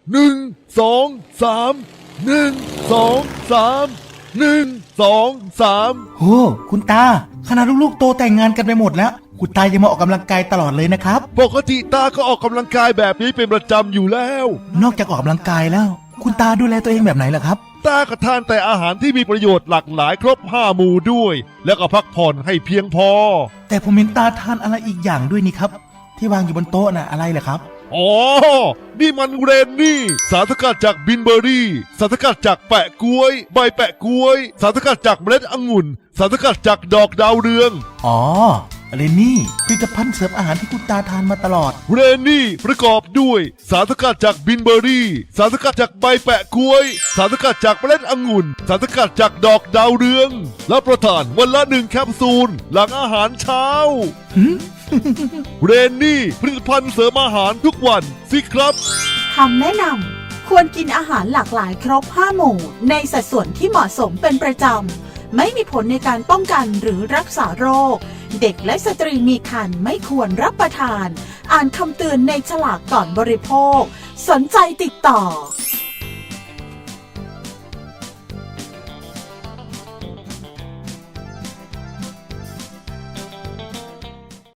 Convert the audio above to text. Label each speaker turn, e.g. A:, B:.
A: โอ้คุณตาขณะลูกๆโตแต่งงานกันไปหมดแล้วคุณตายังมาออกกำลังกายตลอดเลยนะครับ
B: ปกติตาก็ออกกำลังกายแบบนี้เป็นประจำอยู่แล้ว
A: นอกจากออกกำลังกายแล้วคุณตาดูแลตัวเองแบบไหนล่ะครับ
B: ตาก็ทานแต่อาหารที่มีประโยชน์หลากหลายครบ5 หมู่ด้วย แล้วก็พักผ่อนให้เพียงพอ
A: แต่ผมเห็นตาทานอะไรอีกอย่างด้วยนี่ครับที่วางอยู่บนโต๊ะน่ะอะไรล่ะครับ
B: อ๋อ นี่มันเรนนี่สารสกัดจากบินเบอร์รี่สารสกัดจากแปะกล้วยใบแปะกล้วยสารสกัดจากเมล็ดองุ่นสารสกัดจากดอกดาวเรือง
A: อ๋อเรนนี่ผลิตภัณฑ์เสริมอาหารที่คุณตาทานมาตลอด
B: เรนนี่ประกอบด้วยสารสกัดจากบินเบอร์รี่สารสกัดจากใบแปะกล้วยสารสกัดจากเมล็ดองุ่นสารสกัดจากดอกดาวเรืองและประทานวันละ1 แคปซูลหลังอาหารเช้า เรนนี่ผลิตภัณฑ์เสริมอาหารทุกวันสิครับ
C: คำแนะนำควรกินอาหารหลากหลายครบ5 หมู่ในสัดส่วนที่เหมาะสมเป็นประจำไม่มีผลในการป้องกันหรือรักษาโรคเด็กและสตรีมีครรภ์ไม่ควรรับประทานอ่านคำเตือนในฉลากก่อนบริโภคสนใจติดต่อ